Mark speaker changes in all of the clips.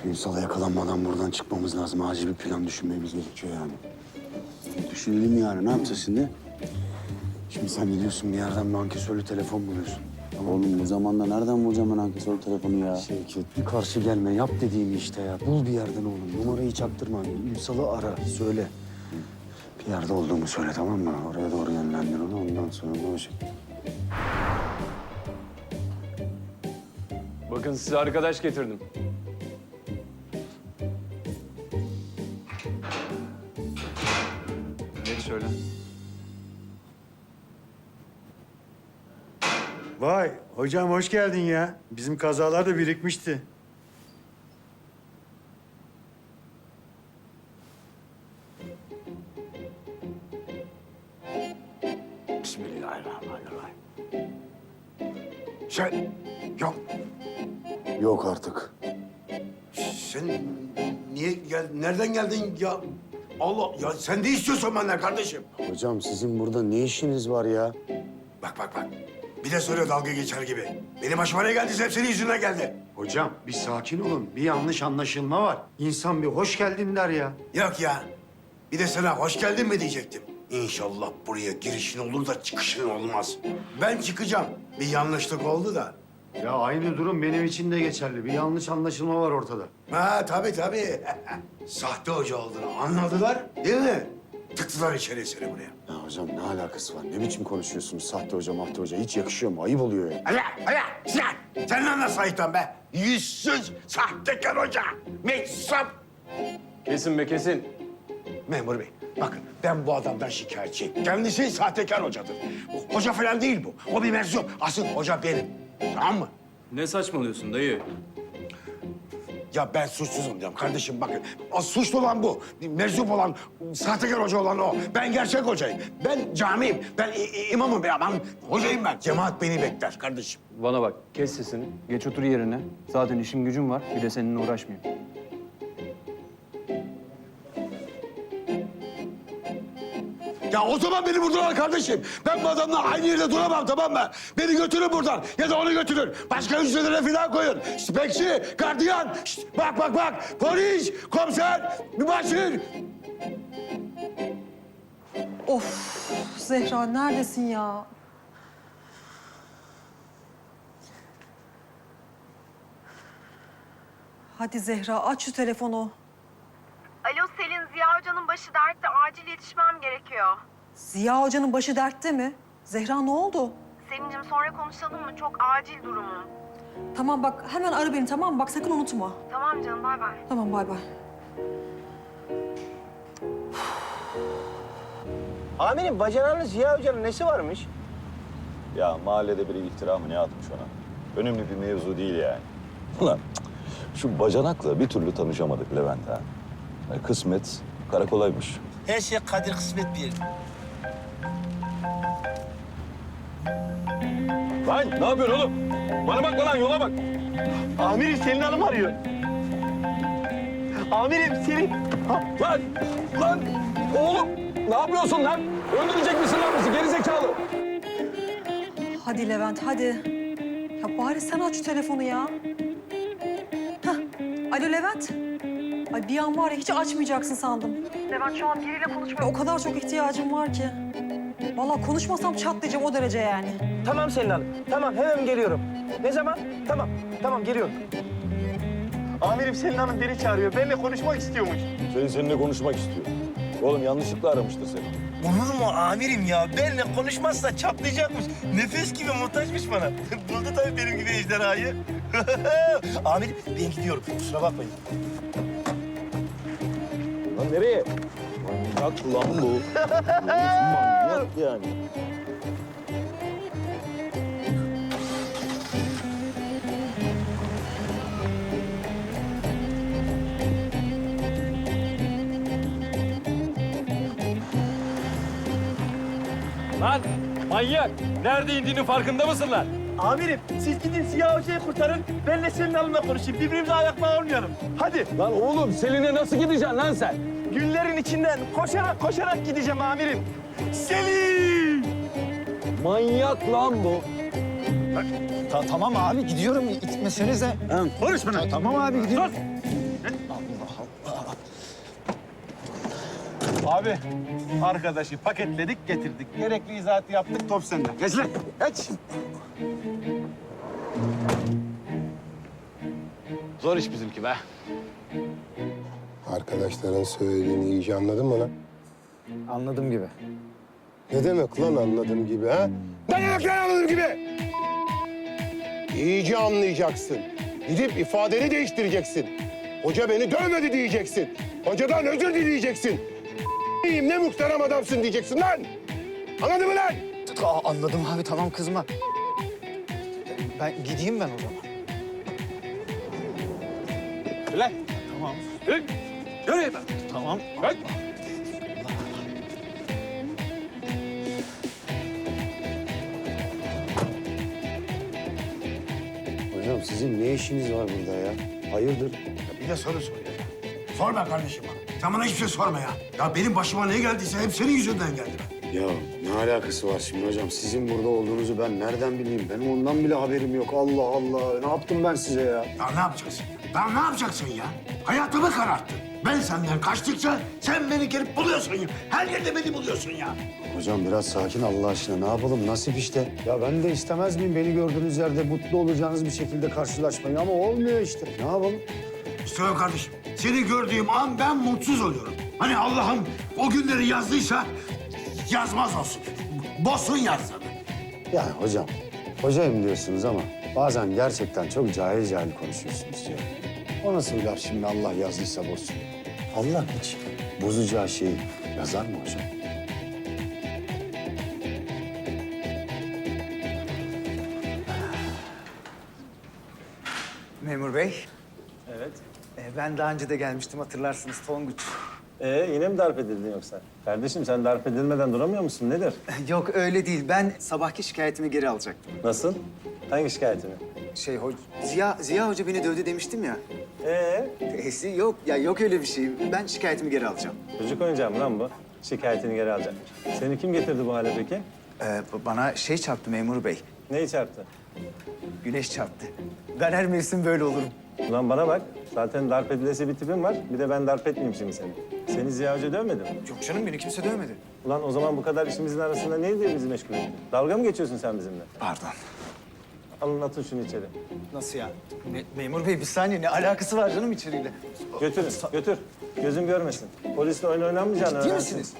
Speaker 1: Ünsal'a yakalanmadan buradan çıkmamız lazım. Acil bir plan düşünmemiz gerekiyor yani. Düşünelim yani. Ne yapacağız şimdi? Şimdi sen gidiyorsun bir yerden bir ankesörlü telefon buluyorsun.
Speaker 2: Oğlum bu zamanda nereden bulacağım ben ankesör telefonu ya?
Speaker 1: Şevket bir karşı gelme. Yap dediğimi işte ya. Bul bir yerden oğlum. Numarayı çaktırma. Ünsal'ı ara. Söyle. Bir yerde olduğumu söyle tamam mı? Oraya doğru yönlendir onu. Ondan sonra konuşalım.
Speaker 3: Bakın size arkadaş getirdim. Geç şöyle.
Speaker 4: Vay hocam hoş geldin ya. Bizim kazalar da birikmişti.
Speaker 1: Bismillahirrahmanirrahim. Sen... Yok. Yok artık.
Speaker 5: Sen nereden geldin ya? Allah ya sen ne istiyorsun benden kardeşim?
Speaker 1: Hocam sizin burada ne işiniz var ya?
Speaker 5: Bak. Bir de söyle dalga geçer gibi. Benim başıma ne geldiyse hep senin yüzünden geldi.
Speaker 4: Hocam bir sakin olun. Bir yanlış anlaşılma var. İnsan bir hoş geldin der ya.
Speaker 5: Yok ya. Bir de sana hoş geldin mi diyecektim. İnşallah buraya girişin olur da çıkışın olmaz. Ben çıkacağım. Bir yanlışlık oldu da.
Speaker 4: Ya aynı durum benim için de geçerli. Bir yanlış anlaşılma var ortada.
Speaker 5: Ha tabii. Sahte hoca olduğunu anladılar değil mi? Tıktılar içeri seni buraya.
Speaker 1: Ya hocam ne alakası var? Ne biçim konuşuyorsunuz sahte hoca, mahte hoca? Hiç yakışıyor mu? Ayıp oluyor ya.
Speaker 5: Hala, Sinan! Sen lan nasıl ayıptan be? Yüzsüz, sahtekar hoca, meczup.
Speaker 3: Kesin be kesin.
Speaker 5: Memur bey, bakın ben bu adamdan şikayetçiyim. Kendisi sahtekar hocadır. Hoca falan değil bu. O bir meczup. Asıl hoca benim. Tamam mı?
Speaker 3: Ne saçmalıyorsun dayı?
Speaker 5: Ya ben suçsuzum diyorum kardeşim bakın. O suçlu olan bu. Meczup olan, sahtekar hoca olan o. Ben gerçek hocayım. Ben camiyim. Ben imamım be aman. Hocayım ben. Cemaat beni bekler kardeşim.
Speaker 3: Bana bak, kes sesini. Geç otur yerine. Zaten işim gücüm var. Bir de seninle uğraşmayayım.
Speaker 5: Ya o zaman beni buradan al kardeşim. Ben bu adamla aynı yerde duramam tamam mı? Beni götürün buradan ya da onu götürün. Başka hücrelere falan koyun. Bekçi, gardiyan, şişt, bak. Polis, komiser, mübaşir.
Speaker 6: Of Zehra neredesin ya? Hadi Zehra aç şu telefonu.
Speaker 7: Alo Selin, Ziya Hoca'nın başı dertte. Acil yetişmem gerekiyor.
Speaker 6: Ziya Hoca'nın başı dertte mi? Zehra ne oldu?
Speaker 7: Selin'cim sonra konuşalım mı? Çok acil durumum.
Speaker 6: Tamam bak hemen ara beni tamam mı? Bak sakın unutma.
Speaker 7: Tamam canım, bay bay.
Speaker 6: Tamam bay bay.
Speaker 8: Amirim bacanağınız Ziya Hoca'nın nesi varmış?
Speaker 2: Ya mahallede biri iftira mı ne atmış ona? Önemli bir mevzu değil yani. Ulan şu bacanakla bir türlü tanışamadık Levent ha. Kısmet karakolaymış.
Speaker 8: Her şey kadir kısmet bir.
Speaker 3: Lan ne yapıyorsun oğlum? Bana bak lan, yola bak.
Speaker 8: Amirim Selin Hanım arıyor. Amirim Selin.
Speaker 3: Lan oğlum ne yapıyorsun lan? Öldürecek misin lan bizi gerizekalı?
Speaker 6: Hadi Levent hadi. Ya bari sen aç şu telefonu ya. Hah. Alo Levent. Ay bir an var ya hiç açmayacaksın sandım.
Speaker 7: Levent şu an biriyle konuşmaya...
Speaker 6: Ya o kadar çok ihtiyacım var ki. Vallahi konuşmasam çatlayacağım o derece yani.
Speaker 8: Tamam Selin Hanım. Tamam hemen geliyorum. Ne zaman? Tamam geliyorum. Amirim Selin Hanım beni çağırıyor. Benimle konuşmak istiyormuş.
Speaker 2: Seninle konuşmak istiyor. Oğlum yanlışlıkla aramıştır seni.
Speaker 8: Olur mu amirim ya? Benimle konuşmazsa çatlayacakmış. Nefes gibi muhtaçmış bana. Buldu tabii benim gibi ejderhayı. Amirim ben gidiyorum. Kusura bakmayın.
Speaker 2: Lan nereye? Manyak lan bu. Manyak yani.
Speaker 3: Lan manyak! Nerede indiğinin farkında mısın lan?
Speaker 8: Amirim siz gidin Ziya Hoca'yı kurtarın. Benle Selin Hanım'la konuşayım. Birbirimize ayakla olmayalım. Hadi.
Speaker 3: Lan oğlum Selin'e nasıl gideceksin lan sen?
Speaker 8: Günlerin içinden koşarak gideceğim amirim. Selin!
Speaker 3: Manyak lan bu.
Speaker 9: Tamam abi gidiyorum. İtmesenize.
Speaker 8: Konuşma lan.
Speaker 9: Tamam abi gidiyorum.
Speaker 3: Abi, arkadaşı paketledik, getirdik. Gerekli izahatı yaptık, top sende. Geç lan, geç. Zor iş bizimki be.
Speaker 9: Arkadaşların söylediğini iyice anladın mı lan?
Speaker 1: Anladım gibi.
Speaker 9: Ne demek lan anladığım gibi ha? Ne demek lan anladığım gibi? İyice anlayacaksın. Gidip ifadeni değiştireceksin. Hoca beni dövmedi diyeceksin. Hocadan özür dileyeceksin. Ne muhterem adamsın diyeceksin lan. Anladın mı lan?
Speaker 1: Anladım abi, tamam kızma. Ben gideyim ben o zaman.
Speaker 3: Lan, tamam. Yürü, yürü. Tamam. Hadi.
Speaker 1: Hocam sizin ne işiniz var burada ya? Hayırdır?
Speaker 5: Bir de soru sor ya. Sorma kardeşim bana. Sen bana hiçbir şey sorma ya. Ya benim başıma ne geldiyse hep senin yüzünden geldi be.
Speaker 1: Ya ne alakası var şimdi hocam? Sizin burada olduğunuzu ben nereden bileyim? Benim ondan bile haberim yok. Allah Allah. Ne yaptım ben size ya?
Speaker 5: Ya ne yapacaksın? Ya ne yapacaksın ya? Hayatımı kararttın. Ben senden kaçtıkça sen beni gelip buluyorsun ya. Her yerde beni buluyorsun ya.
Speaker 1: Hocam biraz sakin Allah aşkına. Ne yapalım? Nasip işte. Ya ben de istemez miyim beni gördüğünüz yerde mutlu olacağınız bir şekilde karşılaşmayı ama olmuyor işte. Ne yapalım?
Speaker 5: İstemem kardeşim. Seni gördüğüm an ben mutsuz oluyorum. Hani Allah'ım o günleri yazdıysa yazmaz olsun. Bozsun yazsın.
Speaker 1: Yani hocam, hocayım diyorsunuz ama bazen gerçekten çok cahil cahil konuşuyorsunuz ya. O nasıl bir laf şimdi Allah yazdıysa bozsun? Allah hiç bozacağı şeyi yazar mı hocam?
Speaker 10: Memur Bey. Evet. Ben daha önce de gelmiştim hatırlarsınız Tonguç.
Speaker 11: Yine mi darp edildin yoksa? Kardeşim sen darp edilmeden duramıyor musun? Nedir?
Speaker 10: Yok öyle değil. Ben sabahki şikayetimi geri alacaktım.
Speaker 11: Nasıl? Hangi şikayetini?
Speaker 10: Ziya Hoca beni dövdü demiştim ya. Yok ya yok öyle bir şey. Ben şikayetimi geri alacağım.
Speaker 11: Çocuk oyuncağı mı lan bu? Şikayetini geri alacakmış. Seni kim getirdi bu hale peki?
Speaker 10: Bana çarptı memur bey.
Speaker 11: Neyi çarptı?
Speaker 10: Güneş çarptı. Ben her mevsim böyle olurum.
Speaker 11: Ulan bana bak. Zaten darp edilesi bir tipin var. Bir de ben darp etmeyeyim şimdi seni. Seni Ziya Hoca dövmedi mi?
Speaker 10: Yok canım beni kimse dövmedi.
Speaker 11: Ulan o zaman bu kadar işimizin arasında neydi bizi meşgul etti? Dalga mı geçiyorsun sen bizimle?
Speaker 10: Pardon.
Speaker 11: Alın atın şunu içeri.
Speaker 10: Nasıl ya? Memur bey bir saniye ne alakası var canım içeriyle?
Speaker 11: Götürün, götür. Gözüm görmesin. Polisle oyun oynanmayacağını
Speaker 10: Ciddi
Speaker 11: öğrensin.
Speaker 10: misiniz?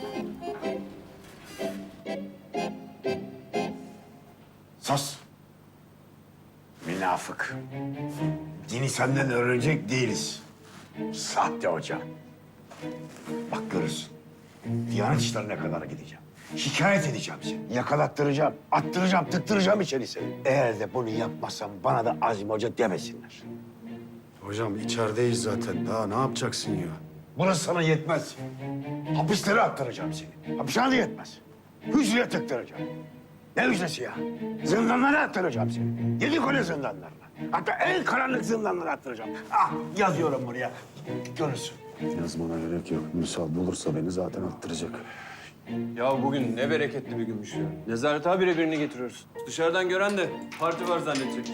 Speaker 5: Sus. Münafık. Dini senden öğrenecek değiliz. Sahte hoca. Bak görürsün. Diyanet işlerine kadar gideceğim. Şikayet edeceğim seni. Yakalattıracağım, attıracağım, tıktıracağım içeri seni. Eğer de bunu yapmazsam bana da Azim Hoca demesinler.
Speaker 1: Hocam içerideyiz zaten. Daha ne yapacaksın ya?
Speaker 5: Burası sana yetmez. Hapislere attıracağım seni. Hapishane yetmez. Hücreye tıktıracağım. Ne hücresi ya? Zindanlara attıracağım seni. 7 kule zindanlarına. Hatta en karanlık zindanlara attıracağım. Ah yazıyorum buraya. Görürsün.
Speaker 1: Yazmana gerek yok. Müsal bulursa beni zaten attıracak.
Speaker 12: Ya bugün ne bereketli bir günmüş ya. Nezaret habire birini getiriyoruz. Dışarıdan gören de parti var zannedecek.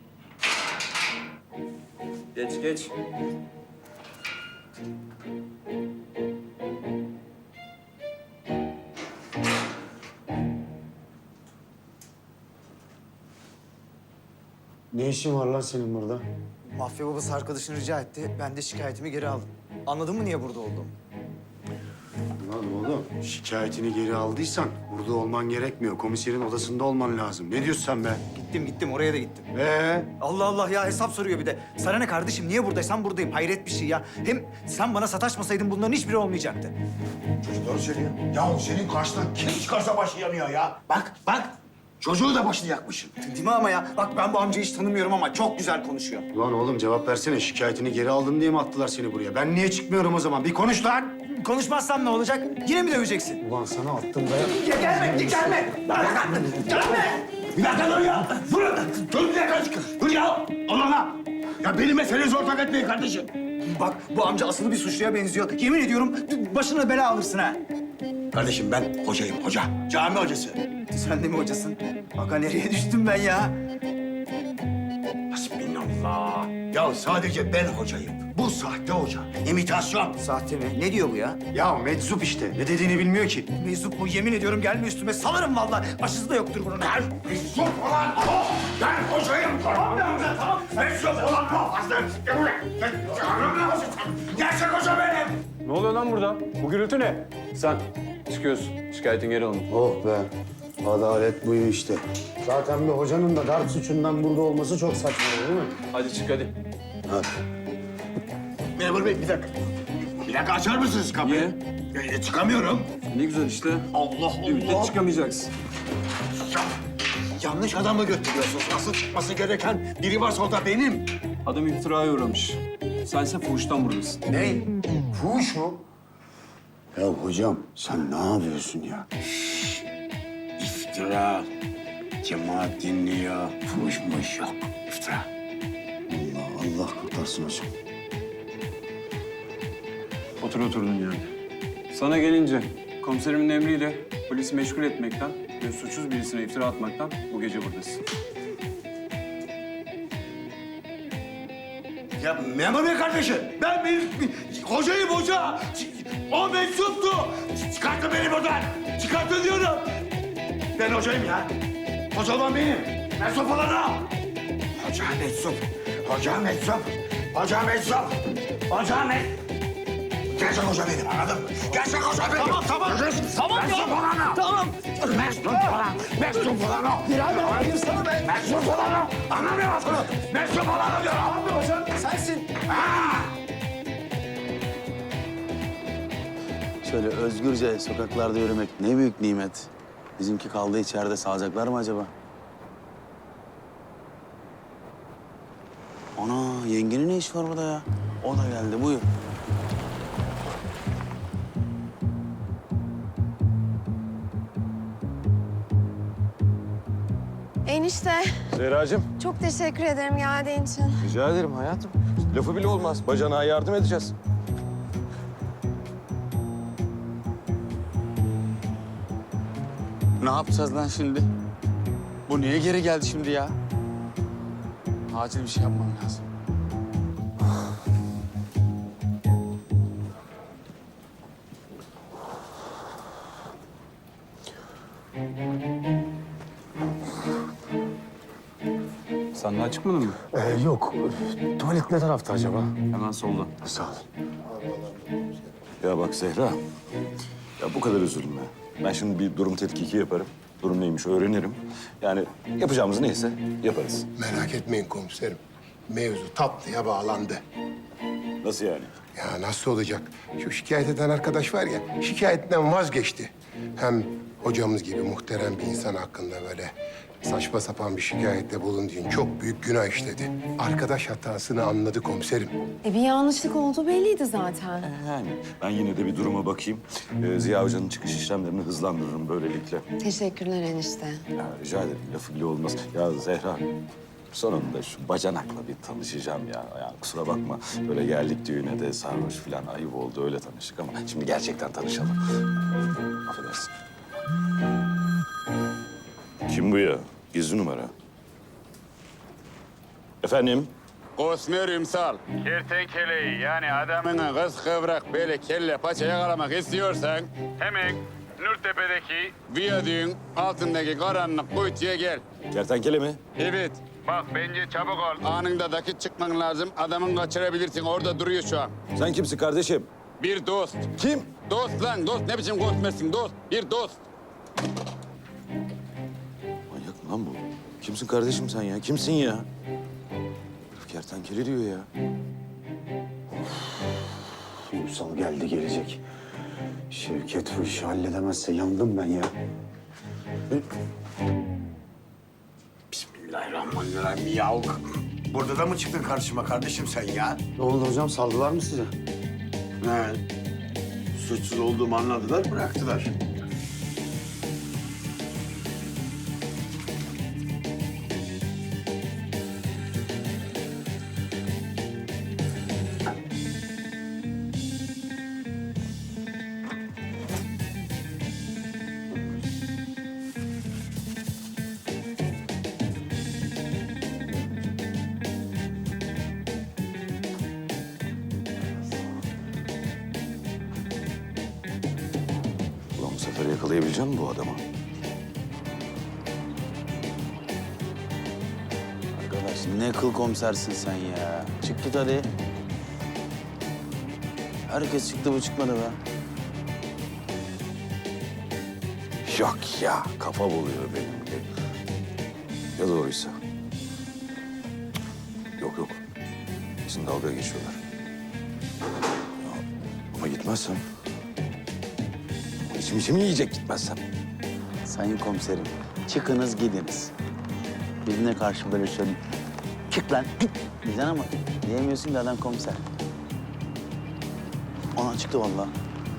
Speaker 12: Geç geç.
Speaker 1: Ne işin var lan senin burada?
Speaker 10: Mafya babası arkadaşını rica etti. Ben de şikayetimi geri aldım. Anladın mı niye burada olduğumu?
Speaker 1: Lan oğlum şikayetini geri aldıysan burada olman gerekmiyor. Komiserin odasında olman lazım. Ne diyorsun sen be?
Speaker 10: Gittim oraya da gittim.
Speaker 1: Ee?
Speaker 10: Allah Allah ya hesap soruyor bir de. Sana ne kardeşim niye buradaysam buradayım. Hayret bir şey ya. Hem sen bana sataşmasaydın bunların hiçbiri olmayacaktı.
Speaker 5: Çocuk doğru söylüyor. Ya senin karşına kim çıkarsa başı yanıyor ya. Bak bak. Çocuğu da başını yakmışsın.
Speaker 10: Değil mi ama ya? Bak ben bu amcayı hiç tanımıyorum ama çok güzel konuşuyor.
Speaker 1: Lan oğlum cevap versene. Şikayetini geri aldın diye mi attılar seni buraya? Ben niye çıkmıyorum o zaman? Bir konuş lan.
Speaker 10: Konuşmazsam ne olacak? Yine mi döveceksin?
Speaker 1: Ulan sana attım be.
Speaker 10: Gelme!
Speaker 5: Gelme! Bir dakika dur ya. Dur bir dakika. Dur ya. Allah'ına. Ya benim meselenizi ortak etmeyin kardeşim.
Speaker 10: Bak bu amca asılı bir suçluya benziyor. Yemin ediyorum başına bela alırsın ha.
Speaker 5: Kardeşim ben hocayım hoca. Cami hocası.
Speaker 10: Sen de mi hocasın? Bak nereye düştüm ben ya?
Speaker 5: Hasbinallah. Ya sadece ben hocayım. Bu sahte hoca. İmitasyon.
Speaker 10: Sahte mi? Ne diyor bu ya?
Speaker 4: Ya meczup işte. Ne dediğini bilmiyor ki.
Speaker 10: Meczup bu. Yemin ediyorum gelme üstüme. Salarım vallahi. Aşısı da yoktur bunun.
Speaker 5: Ben meczup olan o. Ben hocayım. Tamam tamam. Meczup olan o. Gerçek hoca benim.
Speaker 12: Ne oluyor lan burada? Bu gürültü ne? Sen çıkıyorsun. Şikayetin geri alın.
Speaker 1: Oh be. Adalet buyu işte. Zaten bir hocanın da darp suçundan burada olması çok saçma değil mi?
Speaker 12: Hadi çık hadi.
Speaker 1: Hadi.
Speaker 5: Memur bey bir dakika. Bir dakika açar mısınız kapıyı? Çıkamıyorum.
Speaker 12: Ne güzel işte.
Speaker 5: Allah
Speaker 12: Bir müddet
Speaker 5: Allah.
Speaker 12: çıkamayacaksın.
Speaker 5: Yanlış adamı götürüyorsunuz. Asıl çıkması gereken biri varsa o da benim.
Speaker 12: Adam iftiraya uğramış. Sense fuhuştan buradasın.
Speaker 5: Ne? Fuhuş mu?
Speaker 1: Ya hocam sen ne yapıyorsun ya?
Speaker 5: İftira. Cemaat dinliyor. Fuhuşmuş yok. İftira.
Speaker 1: Allah kurtarsın hocam.
Speaker 12: Otur oturduğun yerde. Sana gelince komiserimin emriyle polisi meşgul etmekten ve suçsuz birisine iftira atmaktan bu gece buradasın.
Speaker 5: Ya memur bey kardeşim, ben bir hocayım hoca. O meczuptu. Çıkartın beni buradan. Çıkartın diyorum. Ben hocayım ya. Hoca olan benim. Meczup olan o. Hoca meczup. Hoca meczup. Hoca meczup. Hoca meczup. Gerçek hoca benim, anladın mı? Gerçek hoca benim. Tamam, tamam. Tamam meczup olan o. Tamam. Meczup olan. Meczup olan o. Birader, benim sana ben. Meczup olan o. Anlamıyor musun? Meczup olan o diyorum. Anlamıyor musun?
Speaker 10: Sensin.
Speaker 13: Şöyle özgürce sokaklarda yürümek ne büyük nimet. Bizimki kaldı içeride, sağacaklar mı acaba? Ana, yengenin ne iş var burada ya? O da geldi, buyur.
Speaker 7: Enişte,
Speaker 2: Zehracığım,
Speaker 7: çok teşekkür ederim geldiğin için.
Speaker 2: rica ederim hayatım. Lafı bile olmaz. Bacanağa yardım edeceğiz.
Speaker 13: Ne yapacağız lan şimdi? Bu niye geri geldi şimdi ya? Acil bir şey yapmam lazım.
Speaker 12: Sen daha çıkmadın mı?
Speaker 1: Yok. Tuvalet ne tarafta acaba?
Speaker 12: Hemen solda.
Speaker 1: Sağ ol.
Speaker 2: Ya bak Zehra, ya bu kadar üzülme. Ben şimdi bir durum tetkiki yaparım. Durum neymiş öğrenirim. Yani yapacağımız neyse yaparız.
Speaker 9: Merak etmeyin komiserim. Mevzu tatlıya bağlandı.
Speaker 2: Nasıl yani?
Speaker 9: Ya nasıl olacak? Şu şikayet eden arkadaş var ya, şikayetinden vazgeçti. Hem hocamız gibi muhterem bir insan hakkında böyle saçma sapan bir şikayette bulunduğun çok büyük günah işledi. Arkadaş hatasını anladı komiserim.
Speaker 7: Bir yanlışlık olduğu belliydi zaten.
Speaker 2: Yani ben yine de bir duruma bakayım. Ziya Hoca'nın çıkış işlemlerini hızlandırırım böylelikle.
Speaker 7: Teşekkürler enişte.
Speaker 2: Ya rica ederim, lafı bile olmaz. Ya Zehra, sonunda şu bacanakla bir tanışacağım ya. Yani kusura bakma, böyle geldik düğüne de sarhoş falan ayıp oldu, öyle tanıştık ama şimdi gerçekten tanışalım. Affedersin. Kim bu ya? Gizli numara. Efendim?
Speaker 14: Kosmer Ümsal. Kertenkeleyi yani adamını kız kıvrak böyle kelle paça yakalamak istiyorsan hemen Nurtepe'deki viyadüğün altındaki karanlık kuytuya gel.
Speaker 2: Kertenkele mi?
Speaker 14: Evet. Bak bence çabuk ol. Anında dakik çıkman lazım. Adamın kaçırabilirsin. Orada duruyor şu an.
Speaker 2: Sen kimsin kardeşim?
Speaker 14: Bir dost.
Speaker 2: Kim?
Speaker 14: Dost lan dost. Ne biçim kosmersin dost? Bir dost.
Speaker 2: Manyak mı lan bu? Kimsin kardeşim sen ya? Kimsin ya? Herif kertenkele diyor ya.
Speaker 1: Ünsal geldi gelecek. Şevket bu işi halledemezse yandım ben ya.
Speaker 5: Bismillahirrahmanirrahim ya. Burada da mı çıktın karşıma kardeşim sen ya?
Speaker 1: Ne oldu hocam? Saldılar mı size?
Speaker 5: He. Suçsuz olduğumu anladılar, bıraktılar.
Speaker 2: Şoförü yakalayabilecek misin bu adamı?
Speaker 13: Arkadaş ne kıl komisersin sen ya. Çık git hadi. Herkes çıktı bu çıkmadı be.
Speaker 2: Yok ya, kafa buluyor benimki. Ya doğruysa? Yok yok. Bizim dalga geçiyorlar. Ya, ama gitmezsem... İçim yiyecek gitmezsem.
Speaker 13: Sayın komiserim, çıkınız gidiniz. Birine karşı böyle söyle. Çık lan, git. Diyeceksin ama diyemiyorsun da adam komiser. Ona çıktı vallahi.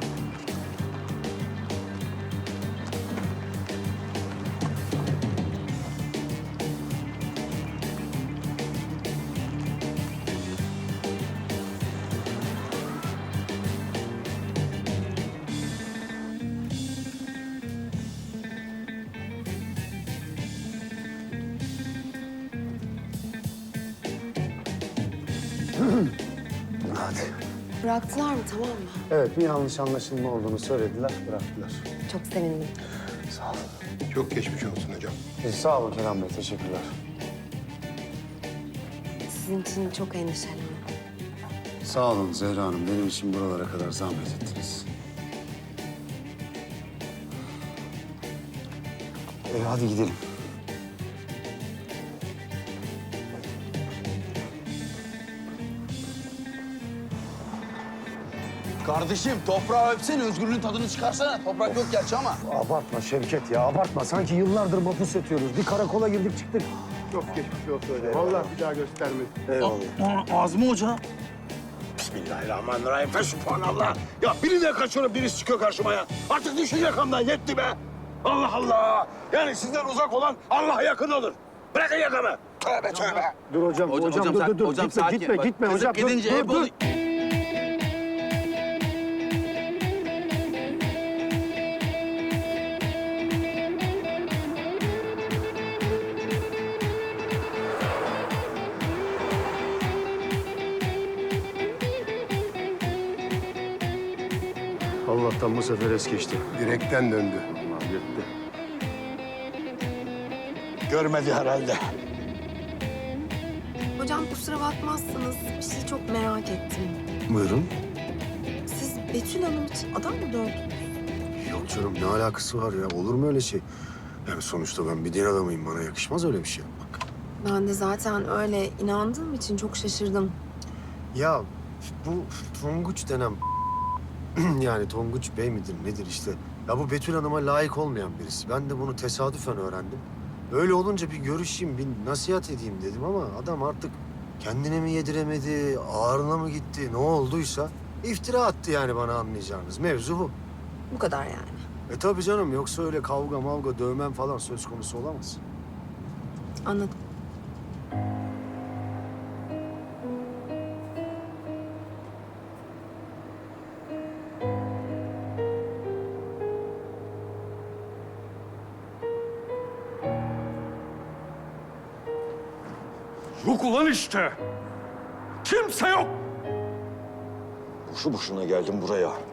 Speaker 1: Hadi.
Speaker 15: Bıraktılar mı, tamam mı?
Speaker 1: Evet, bir yanlış anlaşılma olduğunu söylediler, bıraktılar.
Speaker 15: Çok sevindim.
Speaker 1: Sağ olun.
Speaker 9: Çok geçmiş olsun hocam.
Speaker 1: Sağ olun Kerem Bey, teşekkürler.
Speaker 15: Sizin için çok endişelendim.
Speaker 1: Sağ olun Zehra Hanım, benim için buralara kadar zahmet ettiniz. Hadi gidelim.
Speaker 13: Kardeşim toprağı öpsene, özgürlüğün tadını çıkarsana. Toprak yok gerçi ama.
Speaker 1: Abartma Şevket ya, abartma. Sanki yıllardır mahpus yatıyoruz. Bir karakola girdik çıktık.
Speaker 9: Çok geçmiş olsun hocam. Vallahi bir daha göstermesin.
Speaker 1: Eyvallah.
Speaker 13: Ağzımı hoca.
Speaker 5: Bismillahirrahmanirrahim. Fesubhanallah. Ya birinden kaçıyorum, birisi çıkıyor karşıma ya. Artık düşün yakamdan, yetti be. Allah Allah. Yani sizden uzak olan Allah'a yakın olur. Bırakın yakamı. Tövbe tövbe.
Speaker 1: Dur hocam, hocam, dur.
Speaker 13: Hocam,
Speaker 1: Gitme,
Speaker 13: sakin.
Speaker 1: gitme,
Speaker 13: Bak,
Speaker 1: gitme
Speaker 13: kızıp
Speaker 1: hocam.
Speaker 13: gidince hep
Speaker 1: dur. Allah'tan bu sefer es geçti.
Speaker 9: Direkten döndü.
Speaker 1: Allah yetti.
Speaker 5: Görmedi herhalde.
Speaker 15: Hocam kusura bakmazsanız bir şey çok merak ettim.
Speaker 1: Buyurun.
Speaker 15: Siz Betül Hanım için adam mı dövdünüz?
Speaker 1: Yok canım, ne alakası var ya? Olur mu öyle şey? Yani sonuçta ben bir din adamıyım. Bana yakışmaz öyle bir şey yapmak.
Speaker 15: Ben de zaten öyle inandığım için çok şaşırdım.
Speaker 1: Ya bu Tonguç denen... yani Tonguç Bey midir nedir işte. Ya bu Betül Hanım'a layık olmayan birisi. Ben de bunu tesadüfen öğrendim. Öyle olunca bir görüşeyim, bir nasihat edeyim dedim ama adam artık kendine mi yediremedi, ağrına mı gitti, ne olduysa iftira attı yani bana, anlayacağınız. Mevzu bu.
Speaker 15: Bu kadar yani.
Speaker 1: Tabii canım, yoksa öyle kavga mavga, dövmem falan söz konusu olamaz.
Speaker 15: Anladım.
Speaker 3: Yok ulan işte. Kimse yok.
Speaker 2: Boşu boşuna geldim buraya.